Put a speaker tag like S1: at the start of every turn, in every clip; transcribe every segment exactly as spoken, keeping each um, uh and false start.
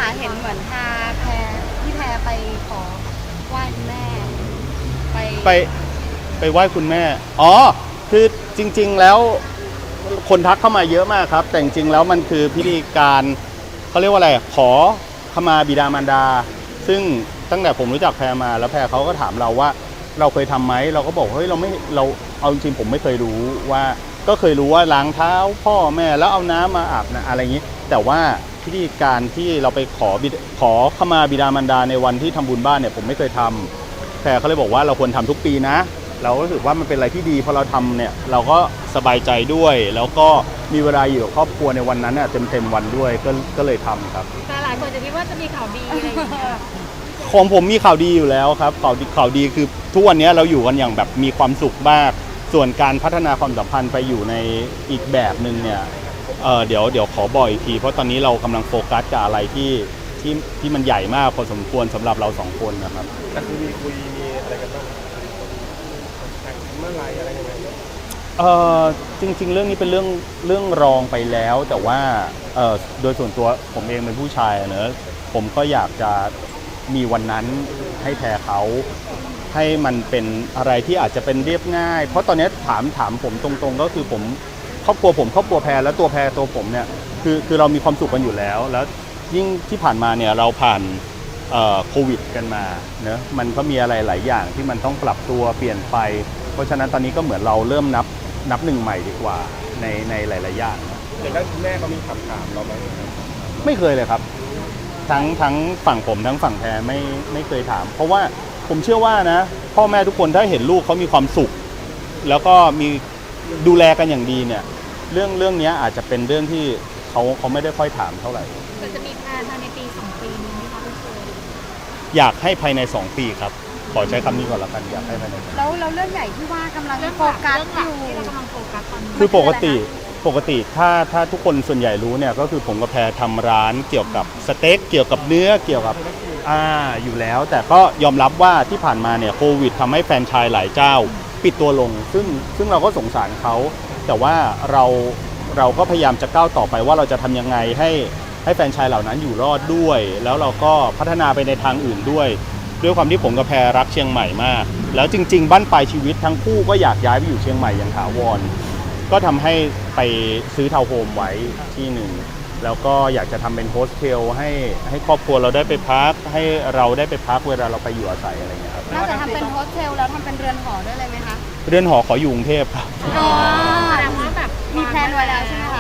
S1: ค่ะเห็นเหมือนพาแพรพี่แพรไปขอไหว้คุณแม่ไป
S2: ไปไปไหว้คุณแม่อ๋อคือจริงๆแล้วคนทักเข้ามาเยอะมากครับแต่จริงๆแล้วมันคือพิธีการเขาเรียกว่าอะไรขอขมาบิดามารดาซึ่งตั้งแต่ผมรู้จักแพรมาแล้วแพรเขาก็ถามเราว่าเราเคยทำไหมเราก็บอกเฮ้ยเราไม่เราเอาจริงๆผมไม่เคยรู้ว่าก็เคยรู้ว่าล้างเท้าพ่อแม่แล้วเอาน้ำมาอาบนะอะไรอย่างนี้แต่ว่าพิธีการที่เราไปขอบิดขอขมาบิดามารดาในวันที่ทำบุญบ้านเนี่ยผมไม่เคยทำแพรเขาเลยบอกว่าเราควรทำทุกปีนะเรารู้สึกว่ามันเป็นอะไรที่ดีพอเราทำเนี่ยเราก็สบายใจด้วยแล้วก็มีเวลาอยู่กับครอบครัวในวันนั้นเต็มเต็มวันด้วยก็ก็เลยทำครับ
S3: แต่หลายคนจะคิดว่าจะมีข่าวดีอะไรอย่างเงี้ย
S2: ของผมมีข่าวดีอยู่แล้วครับข่าวดีข่าวดีคือทุกวันนี้เราอยู่กันอย่างแบบมีความสุขมากส่วนการพัฒนาความสัมพันธ์ไปอยู่ในอีกแบบหนึ่งเนี่ยเออเดี๋ยวเดี๋ยวขอบอกอีกทีเพราะตอนนี้เรากำลังโฟกัสกับอะไรที่ที่ที่มันใหญ่มากพอสมควรสำหรับเราสองคนนะครับ
S4: แต่คือมีคุยมีอะไรกันบ้างแต่งเมื่อไรอะไรยังไง
S2: เออจริงๆเรื่องนี้เป็นเรื่องเรื่องรองไปแล้ว แต่ว่าเออโดยส่วนตัวผมเองเป็นผู้ชายเนอะผมก็อยากจะมีวันนั้นให้แพรเขาให้มันเป็นอะไรที่อาจจะเป็นเรียบง่ายเพราะตอนนี้ถามถามผมตรงๆก็คือผมครอบครัวผมครอบครัวแพรและตัวแพรตัวผมเนี่ยคือคือเรามีความสุขกันอยู่แล้วแล้วยิ่งที่ผ่านมาเนี่ยเราผ่านโควิดกันมาเนอะมันก็มีอะไรหลายอย่างที่มันต้องปรับตัวเปลี่ยนไปเพราะฉะนั้นตอนนี้ก็เหมือนเราเริ่มนับนับหนึ่งใหม่ดีกว่าในในหลายๆอย่าง
S4: อย่างนั้นคุณแม่เขามีคำถามเราไหม
S2: ไม่เคยเลยครับทั้งทั้งฝั่งผมทั้งฝั่งแพรไม่ไม่เคยถามเพราะว่าผมเชื่อว่านะพ่อแม่ทุกคนถ้าเห็นลูกเขามีความสุขแล้วก็มีดูแลกันอย่างดีเนี่ยเรื่องเรื่องนี้อาจจะเป็นเรื่องที่เขาเขาไม่ได้ค่อยถามเท่าไหร่
S3: แต่จะมีแพลนภายในปีสองปีนี้ไหมคะคุณเชย
S2: อยากให้ภายในสองปีครับขอใช้คำนี้ก่อนละกันอยากให้ภายใน
S1: แล้วแล้วเรื่องใหญ่ที่ว่ากำลังโฟกัสอยู่
S3: ที่เรากำลังโฟกัสตอนนี้
S2: คือปกติปกติถ้าถ้าทุกคนส่วนใหญ่รู้เนี่ยก็คือผมกับแพรทำร้านเกี่ยวกับสเต็กเกี่ยวกับเนื้อเกี่ยวกับอ่าอยู่แล้วแต่ก็ยอมรับว่าที่ผ่านมาเนี่ยโควิดทำให้แฟรนไชส์หลายเจ้าปิดตัวลงซึ่งซึ่งเราก็สงสารเขาแต่ว่าเราเราก็พยายามจะก้าวต่อไปว่าเราจะทำยังไงให้ให้แฟรนไชส์เหล่านั้นอยู่รอดด้วยแล้วเราก็พัฒนาไปในทางอื่นด้วยด้วยความที่ผมกับแพรรักเชียงใหม่มากแล้วจริงๆบ้านปลายชีวิตทั้งคู่ก็อยากย้ายไปอยู่เชียงใหม่อย่างถาวรก็ทำให้ไปซื้อทาวน์โฮมไว้ที่หนึ่งแล้วก็อยากจะทำเป็นโฮสเทลให้ให้ครอบครัวเราได้ไปพักให้เราได้ไปพักเวลาเราไปอยู่อาศัยอะไรเงี้ยครับ
S1: น่าจะทำเป็นโฮสเทลแล้วทำเป็นเรือนหอด้วยเลยไหมคะ
S2: เรือนหอขออยู่กรุงเทพครับ
S1: อ๋อ
S3: แสดงว่าแบบ
S1: มีแพลนไว้แล้วใช่ไหมคะ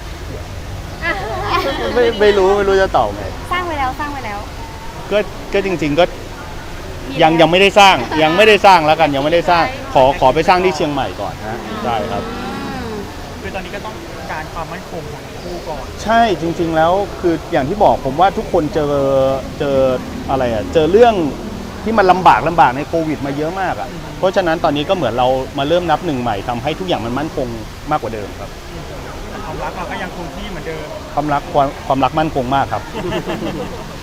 S2: ไม่ไม่รู้ไม่รู้จะตอบไง
S1: สร้างไว้แล้วสร้างไว้แล้ว
S2: ก็ก็จริงๆก็ยังยังไม่ได้สร้างยังไม่ได้สร้างแล้วกันยังไม่ได้สร้างขอขอไปสร้างที่เชียงใหม่ก่อนนะได้ครับ
S4: คือตอนนี้ก็ต้องการความมั่นคงของคู่ก่อน
S2: ใช่จริงๆแล้วคืออย่างที่บอกผมว่าทุกคนเจอเจออะไรอ่ะเจอเรื่องที่มันลำบากลำบากในโควิดมาเยอะมากอ่ะเพราะฉะนั้นตอนนี้ก็เหมือนเรามาเริ่มนับหนึ่งใหม่ทำให้ทุกอย่างมันมั่นคงมากกว่าเดิมครับ
S4: ความรักเราก็ยังคงที่เหมือนเดิม
S2: ความรักความความรักมั่นคงมากครับ